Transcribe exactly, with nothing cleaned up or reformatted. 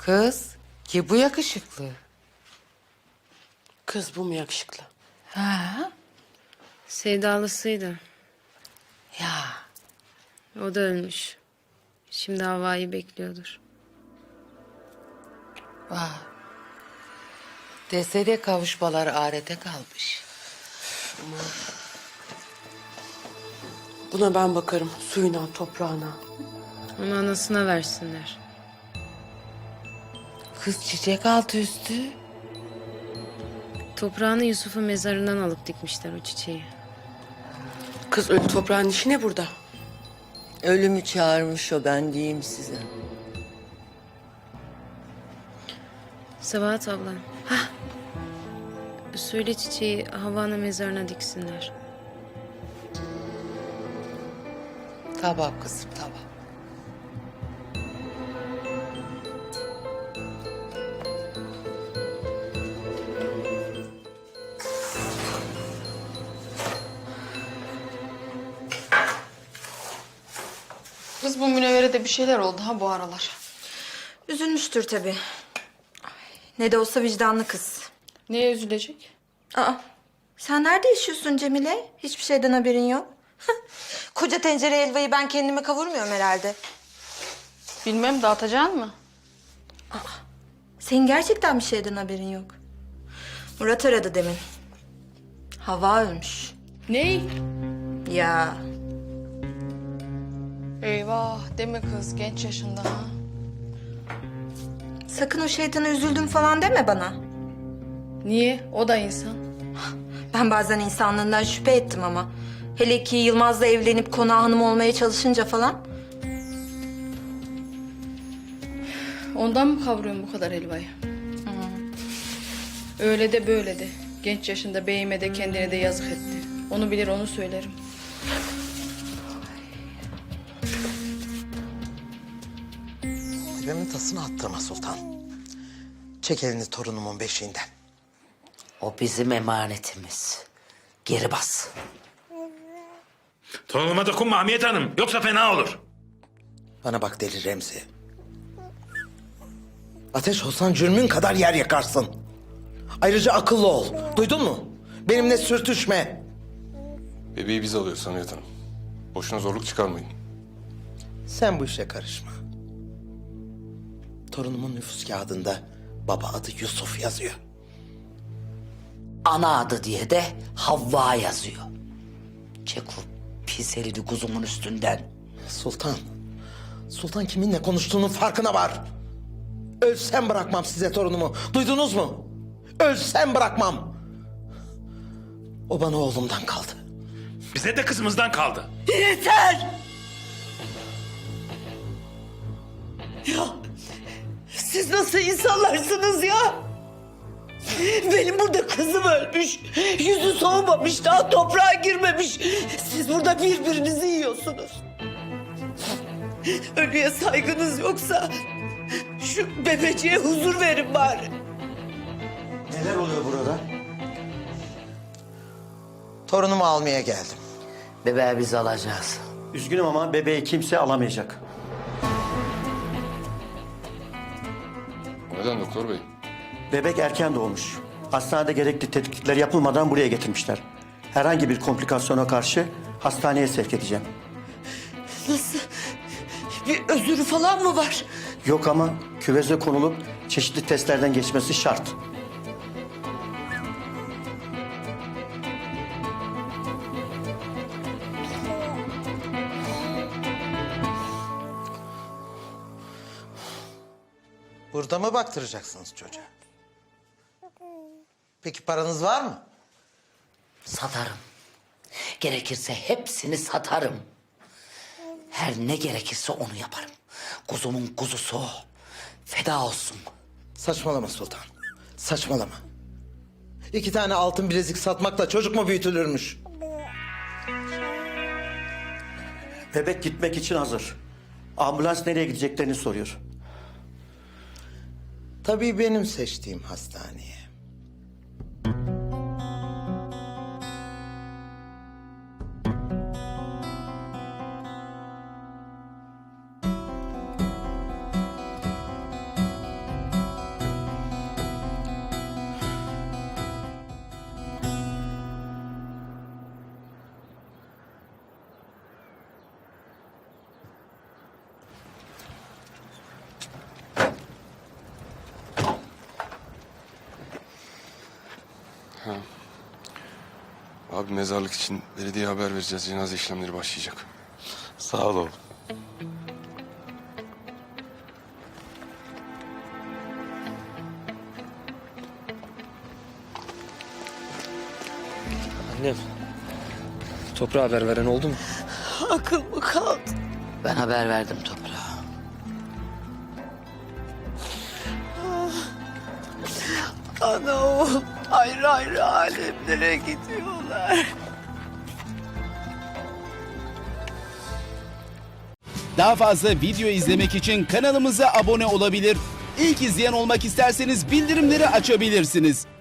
Kız ki bu yakışıklı. Kız bu mu yakışıklı? Ha? Sevdalısıydı. Ya O da ölmüş. Şimdi Havva'yı bekliyordur. vah. Dese de kavuşmalar ahirete kalmış. Buna ben bakarım. Suyuna, toprağına. Onu anasına versinler. Kız çiçek altı üstü. Toprağını Yusuf'un mezarından alıp dikmişler o çiçeği. Kız ölü toprağın işi ne burada? Ölümü çağırmış o, ben diyeyim size. Sabahat abla. Hah. Söyle çiçeği Havva'nın mezarına diksinler. Tamam kızım tamam. Kız bu Münevvere'de bir şeyler oldu ha bu aralar. Üzülmüştür tabii. Ay, ne de olsa vicdanlı kız. Neye üzülecek? Aa, sen nerede yaşıyorsun Cemile? Hiçbir şeyden haberin yok. Koca tencere helvayı ben kendime kavurmuyorum herhalde. Bilmem, dağıtacaksın mı? Senin gerçekten bir şeyden haberin yok. Murat aradı demin. Hava ölmüş. Ney? Ya Eyvah deme kız, genç yaşında ha. sakın o şeytana üzüldüm falan deme bana. Niye? O da insan. Ben bazen insanlığından şüphe ettim ama. Hele ki Yılmaz'la evlenip konağı hanım olmaya çalışınca falan. Ondan mı kavuruyorsun bu kadar helvayı? Öyle de böyle de. Genç yaşında beyime de kendine de yazık etti. Onu bilir, onu söylerim. Ailemin tasını attırma Sultan. Çek elini torunumun beşiğinden. O bizim emanetimiz. Geri bas. Torunuma dokunma Hamiyet Hanım. Yoksa fena olur. Bana bak deli Remzi. Ateş olsan cürmün kadar yer yakarsın. Ayrıca akıllı ol. Duydun mu? Benimle sürtüşme. Bebeği biz alıyoruz Hamiyet Hanım. Boşuna zorluk çıkarmayın. Sen bu işe karışma. Torunumun nüfus kağıdında baba adı Yusuf yazıyor. Ana adı diye de Havva yazıyor. Çek o pis elini kuzumun üstünden. Sultan. Sultan kiminle konuştuğunun farkına var. Ölsem bırakmam size torunumu. Duydunuz mu? Ölsem bırakmam. O bana oğlumdan kaldı. Bize de kızımızdan kaldı. Yeter! Ya siz nasıl insanlarsınız ya? Benim burada kızım ölmüş. Yüzü soğumamış, daha toprağa girmemiş. Siz burada birbirinizi yiyorsunuz. Ölüye saygınız yoksa şu bebeciğe huzur verin bari. Neler oluyor burada? Torunumu almaya geldim. Bebeği biz alacağız. Üzgünüm ama bebeği kimse alamayacak. Neden doktor bey? Bebek erken doğmuş. Hastanede gerekli tetkikler yapılmadan buraya getirmişler. Herhangi bir komplikasyona karşı hastaneye sevk edeceğim. Nasıl? Bir özürü falan mı var? Yok ama küveze konulup çeşitli testlerden geçmesi şart. Burada mı baktıracaksınız çocuğa? Peki paranız var mı? Satarım. Gerekirse hepsini satarım. Her ne gerekirse onu yaparım. Kuzumun kuzusu o. Feda olsun. Saçmalama Sultan. Saçmalama. İki tane altın bilezik satmakla çocuk mu büyütülürmüş? Bebek gitmek için hazır. Ambulans nereye gideceklerini soruyor. Tabii benim seçtiğim hastaneye. Abi mezarlık için belediye haber vereceğiz. Cenaze işlemleri başlayacak. Sağ ol oğlum. Annem, toprağa haber veren oldu mu? Akıl mı kaldı? Ben haber verdim toprağa. Ana oğul ayrı ayrı alemlere gidiyorlar. Daha fazla video izlemek için kanalımıza abone olabilir. İlk izleyen olmak isterseniz bildirimleri açabilirsiniz.